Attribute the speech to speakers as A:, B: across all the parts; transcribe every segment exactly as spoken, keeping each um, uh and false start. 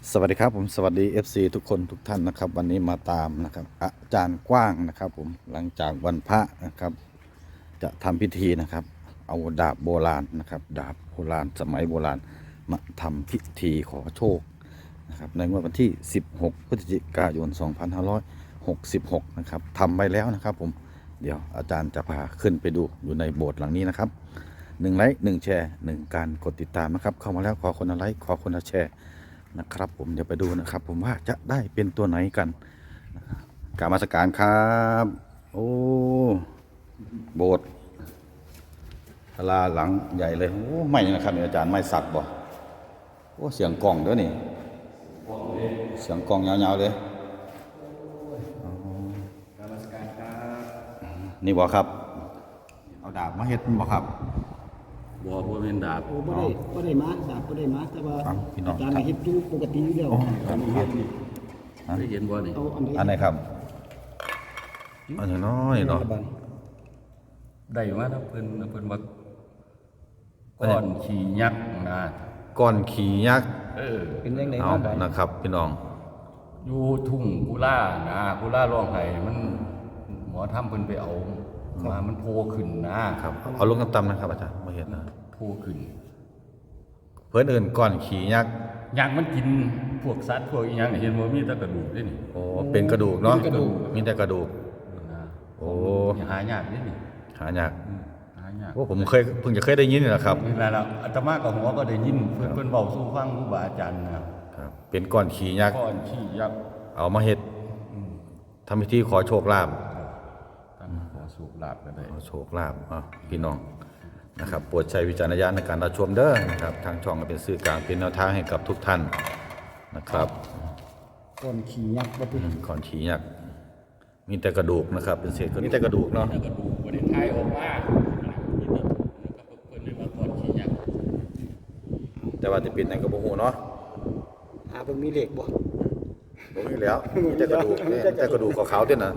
A: สวัสดีครับผมสวัสดี เอฟ ซี ทุกคนทุกท่านนะครับวันนี้มาตามนะครับอาจารย์กว้างนะครับผมหลังจากวันพระนะครับจะทำพิธีนะครับเอาดาบโบราณนะครับดาบโบราณสมัยโบราณมาทำพิธีขอโชคนะครับในงวดวันที่สิบหกพฤศจิกายนสองพันห้าร้อยหกสิบหกนะครับทำไปแล้วนะครับผมเดี๋ยวอาจารย์จะพาขึ้นไปดูอยู่ในโบสถ์หลังนี้นะครับหนึ่งไลค์หนึ่งแชร์หนึ่งการกดติดตามนะครับเข้ามาแล้วขอคนละไลค์ขอคนละแชร์นะครับผมเดี๋ยวไปดูนะครับผมว่าจะได้เป็นตัวไหนกันกรรมสการครับโอ้โบสถ์ศาลาหลังใหญ่เลยโอ้ไม่นะครับอาจารย์ไม่สักบ่โอ้เสียงกล่องด้วยนี่เสียงกล่องยาวๆเลย
B: กรรมสการครับ
A: นี่บ่ครับเอาดาบมาเฮ็ดบ่ครับ
B: บ่บ่เป็นดาบ
C: โอ้บ่ได้บ่ได้มาดาบบ่ได้มาแต่ว่า
A: ฟังพี่น้อง
C: อาจารย์เฮ็ดอยู่ปกติอยู่แล้ว
B: อันนี้เฮ็ดนี่ได้เห็นบ่นี่
C: เอาอันใด
A: อันไหนครับอันนี้น้อยเนาะ
B: ได้มาถ้าเพิ่นเพิ่นว่าก้อนขี้ยักษ์นะ
A: ก้อนขี่ยักษ์
B: เออ
C: เป็นจังได๋
A: เอา
C: มา
A: นะครับพี่น้อง
B: อยู่ทุ่งกุลานะกุลาร้องไห้มันหมอทำเพิ่นไปเอามามันโผล่ขึ้นนะครับ
A: เอาลงต่ำๆนะครับอาจารย์มาเห็นนะ
B: โผล่ขึ้น
A: เพื่อนเอื่นก้อนขี่ยักษ์
B: ยักษ์มันกินพวกสัตว์พวกอีหยังนี่เห็นบ่มีแต่กระดูกเด้นี่
A: โอ้เป็นกระดูกเนาะมีแต่กระดูก
B: นะ
A: โอ้
B: หายากเด้นี่
A: หายาก
B: อืมหายาก
A: โอ้ผมเคยเพิ่งจะเคยได้ยินนี่แหละครับ
B: นี่แหละอาตมากับหัวก็ได้ยินเพื่อนเพื่อนเบาสู้ฟังครูบาอาจารย์นะครับ
A: เป็นก้อนขี่ยักษ์
B: ก้อนขี้ยักษ์
A: เอามาเฮ็ดทำพิธีขอโชคลาภ
B: ท่านขอสูบลาบก็ได้
A: ขอโชคลาภอ่ะพี่น้องนะครับโปรดใช้วิจารณญาณในการรับชมเด้อนะครับทางช่องก็เป็นสื่อกลางเป็นแนวทางให้กับทุกท่านนะครับ
C: ก่อนขี่ยักษ์บ่ติ
A: อืมก้อนขี่ยักษ์มีแต่กระดูกนะครับ เป็นเศษมีแต่กระดูกเนาะ
B: กระดูกบริไทยออกมาเพื่อนเรียกว่าก้อนขี้ยักษ์
A: แต่ว่าจะเป็นในกระบอกหูเนาะ
C: หาเบิ่งมีเลขบ่
A: บ่มีแล้วมีแต่กระดูกเนี่ยมีแต่กระดูกขาวๆเด้อนะ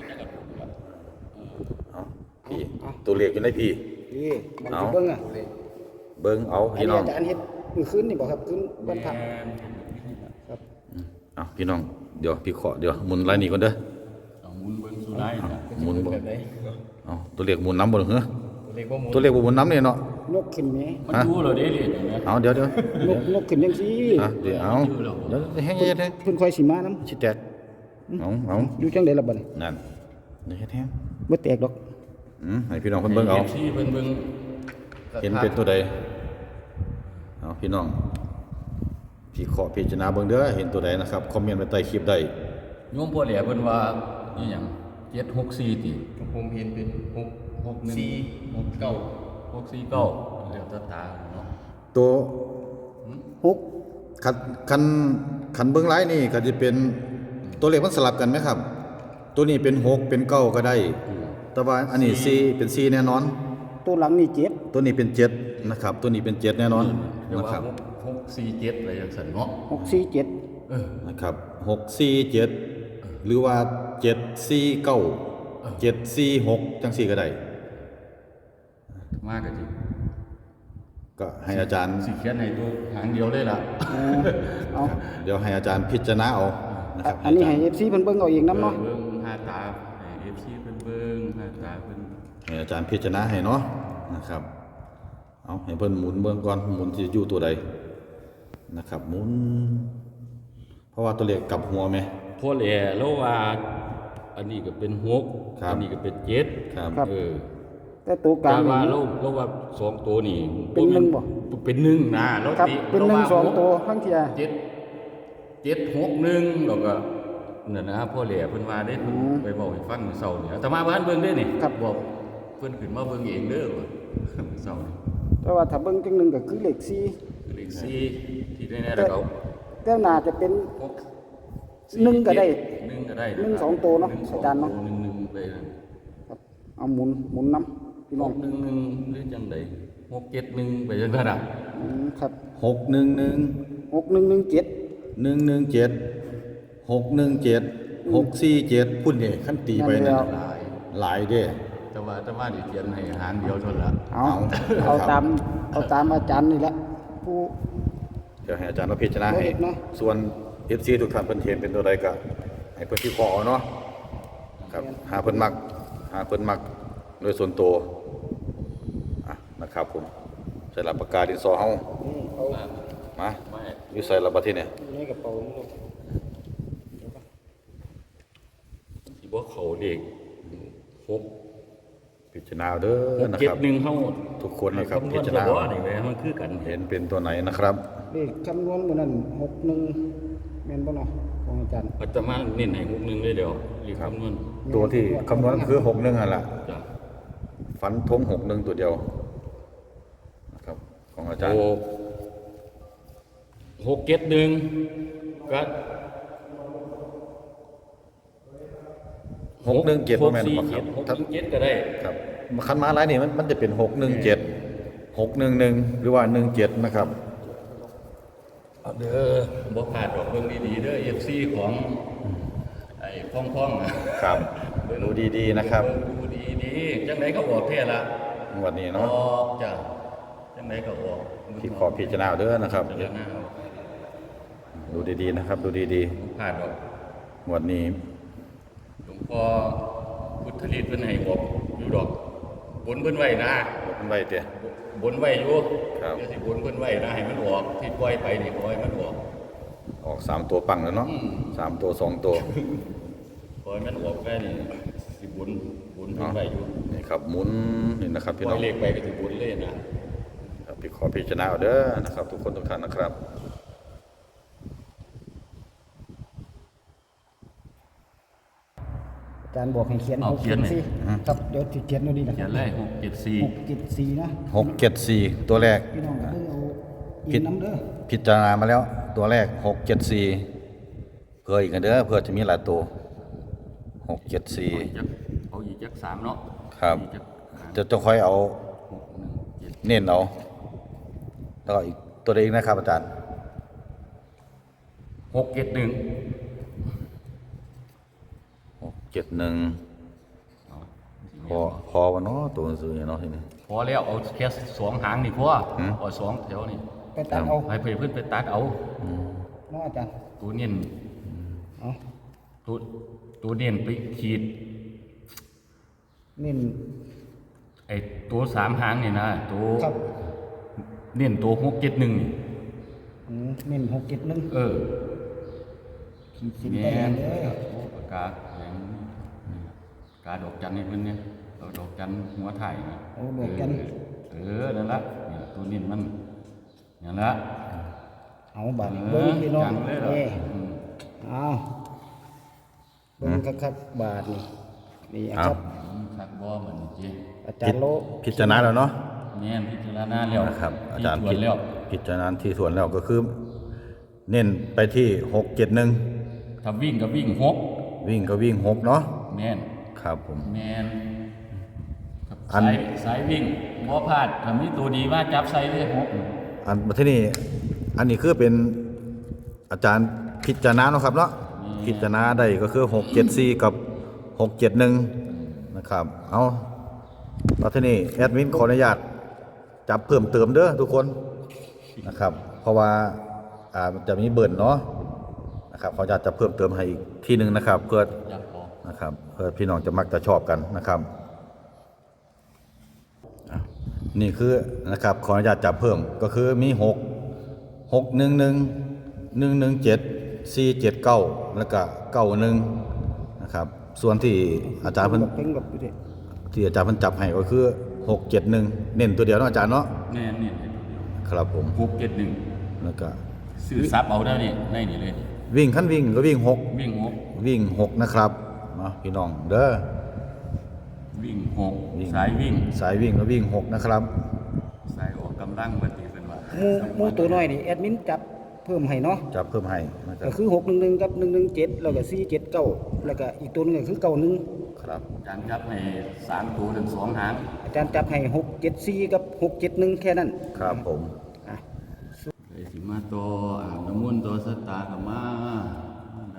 A: เอาพี่ตัวเลขอยู่ในพี่
C: นี่มันสิเบิ่งอ่ะ
A: เบิ่งเอา
C: อัน
A: พี่
C: นี้
A: น้อง
C: อาจารย์เฮ็ดมื้อคืนนี่บ่ครับคืนวันพระ
B: แม่น
C: ครับ
A: เอาพี่น้องเดี๋ยวพี่ขอเดี๋ยวหมุนลายนี้ก่อนเด้อ
B: เอาหมุนเบิ้งสุไลนะ
A: หมุนบ่
B: แบบไหน
A: เอาตัวเลขหมุนน้ำบ่เหรอเหรอ
B: เรียกว่าหมุน
A: ตัวเลขบ่หมุนน้ำเนี่ยเนาะ
C: นกขึ้นแหม
B: มันดูเหรอเด้เรียนอย่างเงี้ย
A: เอาเดี๋ยวเดี๋ยวน
C: กนกขึ้นจังซี่
A: อ่ะเดี๋ยวเอาเดี๋ยวให้เฮ็ดให้
C: เพิ่นค่อยสิมานํ
A: สิแตกเอาเอา
C: อยู่จังได๋ล่ะบัดนี้
A: นั่นเดี๋ยวเฮ็ดให้
C: บ่แตกดอก
A: อืมให้พี่น้องเพิ่นเบิ่งเอา
B: ที่เบิ่งเบิ่ง
A: เห็นเป็นตัวใดเอาพี่น้องพี่ขอพิจารณาเบิ่งเด้อเห็นตัวใดนะครับคอมเมนต์ไว้ใต้คลิปได้
B: โยมพ่อแหล่เพิ่นว่าอีหยังเจ็ดหกสี่ติ
D: ผมเห็นเป็นหก
B: หกหนึ่ง
D: สี่หกเก้า
B: หกสี่เก้าเรียกตาตาเนาะ
A: ตัว
C: หก
A: คันคันคันเบิ่งหลายนี่ก็จะเป็นตัวเลขมันสลับกันไหมครับ ตัวนี้เป็นหกเป็นเก้าก็ได้ แต่ว่าอันนี้สี่เป็นสี่แน่นอน
C: ตัวหลังนี่เจ็ด
A: ตัวนี้เป็นเจ็ดนะครับ ตัวนี้เป็นเจ็ดแน่นอน
B: เรียก
A: นะ
B: ว่า
A: ครับ
B: หกหกสี่เจ็ดอะไรอย่างสันเนาะ
C: หกสี่เจ็ด
B: เออ
A: นะครับหกสี่เจ็ดหรือว่าเจ็ดสี่เก้าเจ็ดสี่หกจังสี่ก็ได้
B: มากกะจิ
A: ก็ให้อาจารย์
B: สิเขียนให้ตัวหางเดียวเลยล่ะ
C: เอา
A: เดี๋ยวให้อาจารย์พิจารณาเอานะครับ
C: อันนี้ให้ เอฟ ซี เพิ่นเบิ่งเอาเองนํเนาะ
B: เบิ่งหาตาเอฟซีเพิ่นเบิ่งหาตาเพิ่น
A: ให้อาจารย์พิจารณาให้เนาะนะครับเอาให้เพิ่นหมุนเบื้องก่อนหมุนที่อยู่ตัวใดนะครับหมุน เพราะว่าตัวเลขกลับหัวไหม
B: พ่อแหล่แล้วว่าอันนี้ก็เป็นหก
A: ครับ
B: อันี้ก็เป็นเจ็ด
A: ครับ
B: เออ
C: แต่ตัวกลา
B: แต่
C: ง
B: ว่า
C: นี่
B: เราเราว่าสองตัวนี่
C: เป็นหนึ่งบ่
B: เป็นหนึ่งนะแล้ว
C: ครับ
B: ติ
C: เป็นหนึ่ง
B: ราา
C: สองตัวทั้งเที่ย
B: เจ็ดเจ็ดหกหนึ่งแล้วก็นั่นนะพ่อแหล่เพิ่นว่าได้เพิ่นไปบอกให้ฟังมื้อเช้านี่อาตมาบ้านเบิ่งเด้นี่
C: ครับ
B: บอกเพิ่นขึ้นมาเบิ่งเองเด้อว่ามื้อเช้านี่
C: แต่ว่าถ้าเบิ่งจังหนึงก็คือเลขสี่
B: เลขสี่ที่แน่ๆแล้วเขา
C: แต่น่าจะเป็น
B: หก
C: หนึ่งก็ได้
B: หนึ่งก็ได้
C: หนึ่งสองตัวเนาะ
B: หงส
C: อาจารย์เนาะ
B: หนึ่งหนึ่งไปนั่น
C: ครับเอาหมุนหมุนน้ำพี่
B: ห
C: น้อง
B: กหนึ่งหนึ่งหรือจังใดหกเจ็ดหนึ่งไปจังนั้นอ่ะ
C: อืมครับ
A: หกหนึ่งหนึ่ง
C: หกหนึ่งหนึ่งเจ็ด
A: หนึ่งหนึ่งเจ็ดหกหนึ่งเจ็ดหกสี่เจ็ดพุ่นเนี่ยขั้นตีไปนั่น
B: หลาย
A: หลายเด้
B: แต่ว่าแต่ว่านี่เขียนให้หางเดียวเท่านั้นละ
C: เอา
A: เอา
C: เอา
A: ครับ
C: ตามเอาตามอาจารย์นี่แหละผู้
A: เดี๋ยวให้อาจารย์เราพิจารณาให้
C: บ่เห็นเนาะ
A: ส่วน เอฟ ซี ทุกท่านเพิ่นเห็นเป็นตัวใดก็ให้เพิ่นพิเคราะห์เอาเนาะครับหาเพิ่นมักหาเพิ่นมักโดยส่วนตัวอ่ะนะครับผมใส่หลักปากกาดินสอเฮา
C: อืมเอา
B: มา
A: มา
B: ไม่
A: อยู่ใส่หลักบัดทีเนี่ย
C: อยู่ในกระเป๋านี่ลูก
B: ที่บ่เขาเด็กหก
A: พิจารณาเอาเด้อ
B: หก
A: นะ
B: เจ็
A: ค
B: ด
A: รับ
B: หนึ่งเฮา
A: ทุกคนนะครับ
B: ำว
A: พิจารณา
B: บ่นี่แหละมันคือกัน
A: เห็นเป็นตัวไหนนะครับ
C: เลขคำนวณมื้อนั้นหกหนึ่งแม่นบ่เนาะของอาจารย์
B: อาตมาเน้นให้หกหนึ่งเลยเดี๋ยวเรียกคำนวณ
A: ตัวที่คำนวณคือหกหนึ่งนั่นแหละ
B: จ้ะ
A: ฟันธงหกหนึ่งตัวเดียวนะครับของอาจารย์
B: หกหกเจ็ดหนึ่งก็
A: หกหนึ่งเจ็ด
B: ห
A: บ่
B: ก
A: แม่น
B: สี่
A: บ่ค
B: เจ็
A: รั
B: ด
A: บ
B: หก
A: ถ้า
B: หนึ่งเจ็ดก็ได้
A: ครับคันมาหลายนี่มันมันจะเป็นหกหนึ่งเจ็ดหกหนึ่งหนึ่งหรือว่าหนึ่งเจ็ดนะครับ
B: เอาเด้อบ่ขาดดอกเบิ่งดีๆเด้อ เอฟ ซี ของไอ้พ่องๆนะครับ
A: ดูดีๆนะครับ
B: เบิ่งดูดีๆจังไดก็ออกแท้ละ
A: งวันนี้
B: อ
A: เนาะ
B: อกจ้ะจังไดก็ออก
A: ที่ขอพิจารณาเอาเด้อนะครับ
B: พิจารณาเอา
A: ดูดีๆนะครับ ดูดี
B: บ่ขาดดอก
A: ๆงวันนี้
B: หลวงพ่อพุทธฤทธิ์เพิ่นให้บอกอยู่ดอกบนเพิ่นไว้นะ
A: มันไว้เตี้ย
B: บนไว้อยู่
A: ครับ
B: เดี๋ยวสิบนเพิ่นไว้นะให้มันออกที่ปล่อยไปนี่ปล่อยมันออก
A: ออกสามตัวปังแล้วเนาะสามตัวสองตัว
B: ปล่อยมันออกแค่นี้สิบนบนเพิ่น
A: เนาะ
B: ไว้อยู่
A: นี่ครับหมุนนี่นะครับ
B: ป
A: พี่
B: ล่
A: น้
B: อ
A: อย ง
B: เลขไปก็สิบนเลยนะครับ
A: พี่ขอพิจารณาเอาเด้อนะครับ ทุกคนทุกท่านนะครับ
C: อาจารย์บอกให้เขียน
B: เอา
C: หก
B: เขียนเลย
C: สี่ครับเดี๋ยวสิเขียนเอาดีนะ
B: เขียนเลยหกเจ็ดสี่
C: หกเจ็ดสี่นะ
A: หกเจ็ดสี่ตัวแรก
C: พี่น้องก็เบิ่งเอา
A: ผิ
C: อิ
A: ด
C: นน้ำเด้อ
A: พิจารณามาแล้วตัวแรกหกเจ็ดสี่เพื่ออีกกันเด้อเพื่อจะมีหลายตัวหกเจ็ดสี่
B: จักเอาอีกจักสามเนาะ
A: ครับ
B: อีกจักสาม
A: จะจะค่อยเอา
B: หกหนึ่งเจ็ด
A: เน้นเอาแล้วก็อีกตัวเองนะครับอาจารย์
B: หกเจ็ดหนึ่ง
A: หกเจ็ดหนึ่งพอพอวะเนาะตัวหนังสือเนี่ยเนาะทีนี้
B: พอแล้วเอาแค่สองหางนี่พอ
A: หืม
B: เอาสองแถวนี่
C: ไปตัดเอา
B: ให้เพื่อนไปตัดเอา
C: เนาะอาจารย์
B: ตัวเน้น
C: เอา
B: ตัวตัวเน้นไปขีด
C: เน้น
B: ไอ้ตัวสามหางนี่นะตัว
C: ครับ
B: เน้นตัวหกเจ็ดหนึ่งนี่
C: อืมเน้นหกเจ็ดหนึ่ง
B: เออ
C: ขีดเส้น
B: แม่
C: ใต้
B: น
C: เด้อ
B: โอ้ปากกาอย่างนี้ปากกาดอกจันนี่เพิ่นเนี่ยเอาดอกจันหัวถ่ายนะ
C: โอ้ดอกจัน
B: เออนั่นละนี่ล่ะตัวเน้นมันนั่นละ
C: เอาบัตรเบิ้งพี่น้อง
B: จังเลยเหรอ
C: เอ้
B: อืม
C: เอาเบิ้งคักๆบาทนี่นี่
A: เอา
C: ครับ
B: คักบ่เหมือนจริง
C: อาจารย์โล
A: พิจารณาแล้วเนาะ
B: แม่นพิจารณาแล้ว
A: นะครับ อาจารย์
B: ที่ตวจแล้ว
A: พิจารณาที่ส่วนแล้วก็คือ เน้นไปที่หกเจ็ดหนึ่ง
B: ถ้าวิ่งก็วิ่งหก
A: วิ่งก็วิ่งหกเนาะ
B: แม่น
A: ครับผม
B: แม่นครับ
A: อัน
B: สายสายวิ่งบ่พลาดถ้ามีตัวดีว่าจับใส่เลยหก
A: อันที่นี่อันนี้คือเป็นอาจารย์พิจารณาเนาะครับเนาะพิจารณาได้ก็คือหกเจ็ดสี่กับหกเจ็ดหนึ่งนะครับเอาแล้วที่นี่แอดมินขออนุญาตจับเพิ่มเติมเด้อทุกคนนะครับ เพราะว่าอ่ามันจะมีเบิร์นเนาะนะครับขออนุญาตจะเพิ่มเติมให้อีกทีหนึ่งนะครับ เพื่อ
B: จับพอ
A: นะครับเพื่อพี่น้องจะมักจะชอบกันนะครับอ่ะนี่คือนะครับขออนุญาตจับเพิ่มก็คือมีหกหกหนึ่งหนึ่งหนึ่งหนึ่งเจ็ดสี่เจ็ดเก้าแล้วก็เก้าหนึ่งนะครับส่วนที่อาจารย์เพิ่น
C: เพิ่งแบบนี้
A: ที่อาจารย์เพิ่นจับให้ก็คือหกเจ็ดหนึ่งเน้นตัวเดียวเนาะอาจารย์เนาะ
B: แม่นนี่ให้ตัวเดียว
A: ครับผม
B: หกเจ็ดหนึ่ง
A: แล้วก็
B: ซื้อซับเอาได้นี่ในนี่เลย
A: วิ่งขั้นวิ่งก็วิ่งหก
B: วิ่งหก
A: วิ่งหกนะครับเนาะพี่น้องเด้อ
B: วิ่งหก
A: วิ่ง
B: สายวิ่ง
A: สายวิ่งก็วิ่งหกนะครับ
B: สายออกกำลังบัดนี้เพิ่นว่า
C: หมูหมูตัวน้อยนี่แอดมินจับเพิ่มให้เนาะ
A: จับเพิ่มให้นะครั
C: ก็
A: บ
C: คือหกหนึ่งหนึ่งกับหนึ่งหนึ่งเจ็ดแล้วก็สี่เจ็ดเก้าแล้วก็อีกตัวหนึงก็คือเก้าหนึ่ง
A: ครับ
B: อาจารย์จับให้สามตัวถึงสองหาง
C: อาจารย์จับให้หกเจ็ดสี่กับหกเจ็ดหนึ่งแค่นั้น
A: ครับผม
C: อ่ะ
B: เลยสิมาต่ออ่างน้ำมนต์ต่อสตาร์ก็มาได้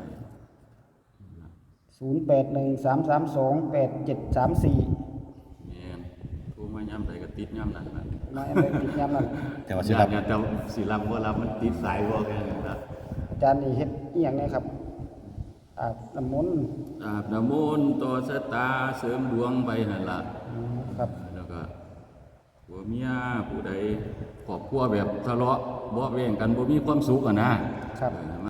C: ศูนย์แปดหนึ่งสามสามสองแปดเจ็ดสามสี่
B: แม่นโทรมาย่ำใดก็ติดย่ำนั้นนะ
C: มาอันใดติดยามนั้น
A: แต่ว่าสิ
B: ญา
A: รั
B: ติ
A: บ
B: ญาติแต่สิรับบ่รับมันติดสายบ่แค่นั้นล่ะ
C: อาจารย์นี่เฮ็ดอีหยังเนี่ยครับอาบน้ำมนต์
B: อาบน้ำมนต์ต่อชะตาเสริมดวงไปนั่นล่ะ
C: อืมครับ
B: แล้วก็ผัวเมียผู้ใดครอบครัวแบบทะเลาะเบาะแว้งกันบ่มีความสุขอะนะครับ เออ